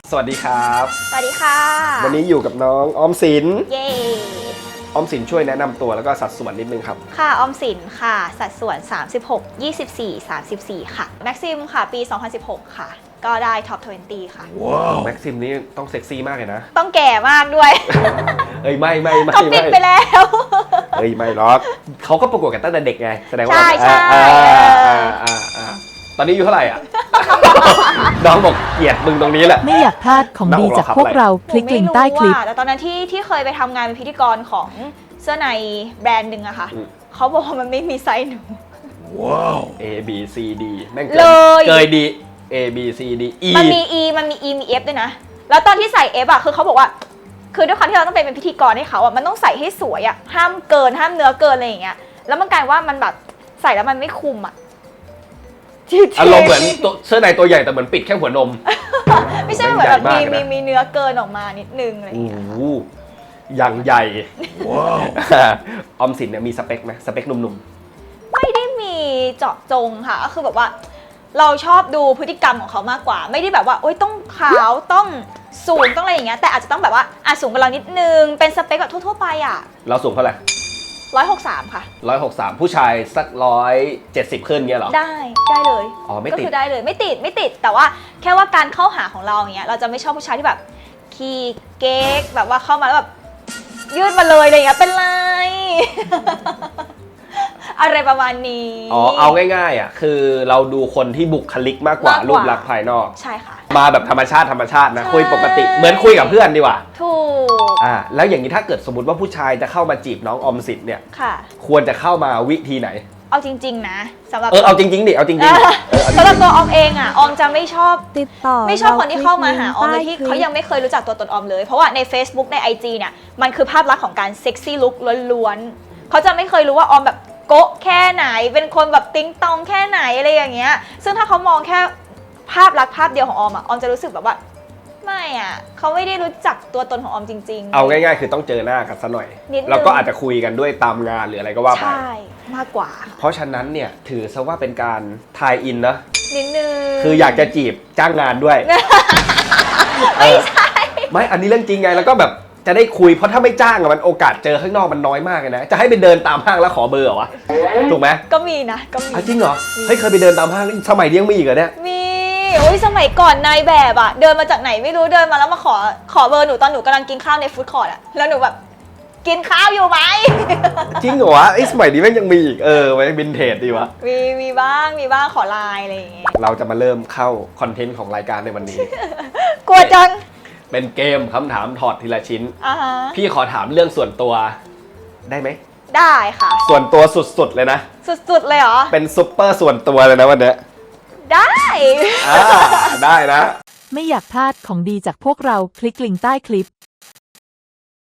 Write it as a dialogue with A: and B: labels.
A: สวัสดีครับ
B: สวัสดีค่ะ
A: วันนี้อยู่กับน้องออมสิน
B: เย้
A: ออมสินช่วยแนะนำตัวแล้วก็สัดส่วนนิดนึงครับ
B: ค่ะออมสินค่ะ สัดส่วน 36 24 34 ค่ะแม็กซิมค่ะ ปี 2016 ค่ะ ก็ได้ท็อป 20 ค่ะ
A: ว้าว แม็กซิมนี่ต้องเซ็กซี่มากเลยนะ
B: ต้องแก่มากด้วย
A: เอ้ยไม่
B: เขาปิดไปแล้ว
A: เอ้ยไม่หรอกเขาก็ประกวดกันตั้งแต่เด็กไงแสดงว่า
B: ใช่
A: ตอนนี้อายู่เท่าไหร่อ่ะ น้องบอกเกลียดมึงตรงนี้แหละ
C: ไม่อยากพลาดของดีจากพวกเราคลิกลิงก์ใต้คลิป
B: แต่ตอนนั้นที่เคยไปทำงานเป็นพิธีกรของเสื้อในแบรนด์หนึ่งอะค่ะ
A: อืม
B: เขาบอกว่ามันไม่มีไซส์หนู
A: ว้าว A B C D แม่ง
B: เลย
A: เกยดี A B C D E
B: มันมี E มันมี E มี F ด้วยนะ แล้วตอนที่ใส่ F อะคือเขาบอกว่า คือด้วยความที่เราต้องเป็นพิธีกรให้เขาอะมันต้องใส่ให้สวยอะห้ามเกินห้ามเนื้อเกินอะไรอย่างเงี้ย แล้วมันกลายว่ามันแบบใส่แล้วมันไม่คุมอะ
A: อารมณ์เหมือนตัวเสื้อในตัวใหญ่แต่เหมือนปิดแค่หัวนม
B: ไม่ใช่เหมือนแบบ
A: ใหญ่มากนะ
B: มีเนื้อเกินออกมานิดนึงอะไรอ
A: โอ้
B: ย่างเงี้ย
A: โหอย่างใหญ่ ว้าว ออมสินเนี่ยมีสเปคไหมสเปคหนุ่ม
B: ไม่ได้มีเจาะจงค่ะ ก็คือแบบว่า เราชอบดูพฤติกรรมของเขามากกว่า ไม่ได้แบบว่าโอ๊ยต้องขาวต้องสูงต้องอะไรอย่างเงี้ย แต่อาจจะต้องแบบว่าสูงกว่าเรานิดนึง เป็นสเปคแบบทั่วๆไปอะ
A: ๆ เราสูงเท่าไหร่
B: 163 ค่ะ
A: 163 ผู้ชายสัก170ขึ้นเงี้ยเหรอ
B: ได้เลย
A: อ๋อไม่
B: ก็
A: ติด
B: คือได้เลยไม่ติดแต่ว่าแค่ว่าการเข้าหาของเราอย่างเงี้ยเราจะไม่ชอบผู้ชายที่แบบขี้เก๊กแบบว่าเข้ามาแล้วแบบยืดมาเลยอะไรอย่างเงี้ยเป็นไร อะไรประมาณนี้
A: อ๋อเอาง่ายๆอ่ะคือเราดูคนที่บุคลิกมากกว่ารูปลักษณ์ภายนอก
B: ใช่ค่ะ
A: มาแบบธรรมชาตินะ
B: ใช่
A: คุยปกติเหมือนคุยกับเพื่อนดีกว่า
B: ถูก
A: แล้วอย่างนี้ถ้าเกิดสมมติว่าผู้ชายจะเข้ามาจีบน้องออมสินเนี่ย
B: ค่ะ
A: ควรจะเข้ามาวิธีไหน
B: เอาจริงๆนะสำหรับ
A: เอาจริงๆดิเอาจริงๆดิเอาจริงๆ
B: สำหรับตัวออมเองอ่ะออมจะไม่ชอบ
C: ติดต่อ
B: ไม่ชอบคนที่เข้ามาหาออมโดยที่
C: ใต้คลิป
B: เขายังไม่เคยรู้จักตัวตนออมเลย เพราะว่าใน Facebook ใน IG เนี่ยมันคือภาพลักษณ์ของการเซ็กซี่ลุคล้วนๆเขาจะไม่เคยรู้ว่าออมแบบโก๊ะแค่ไหนเป็นคนแบบติ๊งตองแค่ไหนอะไรอย่างเงี้ยซึ่งถ้าเขามองแค่ภาพลักษณ์ภาพเดียวของออมอ่ะออมจะรู้สึกแบบว่าไม่อ่ะเขาไม่ได้รู้จักตัวตนของออมจริงๆ
A: เอาง่ายๆคือต้องเจอหน้ากันซะหน่อย
B: นิดนึง
A: แล้วก็อาจจะคุยกันด้วยตามงานหรืออะไรก็ว่าไป
B: ใช่มากกว่า
A: เพราะฉะนั้นเนี่ยถือซะว่าเป็นการทายอินนะ
B: นิดนึง
A: คืออยากจะจีบจ้างงานด้วย
B: ไม่ใช่
A: ไม่อันนี้เรื่องจริงไงแล้วก็แบบจะได้คุยเพราะถ้าไม่จ้างอะมันโอกาสเจอข้างนอกมันน้อยมากเลยนะจะให้ไปเดินตามห้างแล้วขอเบอร์เหรอวะถูกไหม
B: ก็มีนะก็มี
A: จริงเหรอเฮ้ยเคยไปเดินตามห้างสมัยนี้ยังมีอีกเหรอเนี่ย
B: มีโอ้ยสมัยก่อนนายแบบอะเดินมาจากไหนไม่รู้เดินมาแล้วมาขอเบอร์หนูตอนหนูกำลังกินข้าวในฟู้ดคอร์ทอะแล้วหนูแบบกินข้าวอยู่ไหม
A: จริงเหรอวะไอ้สมัยนี้แม่งยังมีอีกไว้วินเทจดีวะ
B: มีบ้างขอไลน์อะไรอย่างเงี้ย
A: เราจะมาเริ่มเข้าคอนเทนต์ของรายการในวันนี้
B: กลัวจัง
A: เป็นเกมคำถามถอดทีละชิ้น
B: อ่าฮะ
A: พี่ขอถามเรื่องส่วนตัวได้ไหม
B: ได้ค่ะ
A: ส่วนตัวสุดๆเลยนะ
B: สุดๆเลยเหรอ
A: เป็นซุปเปอร์ส่วนตัวเลยนะวันเนี้ย
B: ได้
A: ได้นะ
C: ไม่อยากพลาดของดีจากพวกเราคลิกลิงก์ใต้คลิป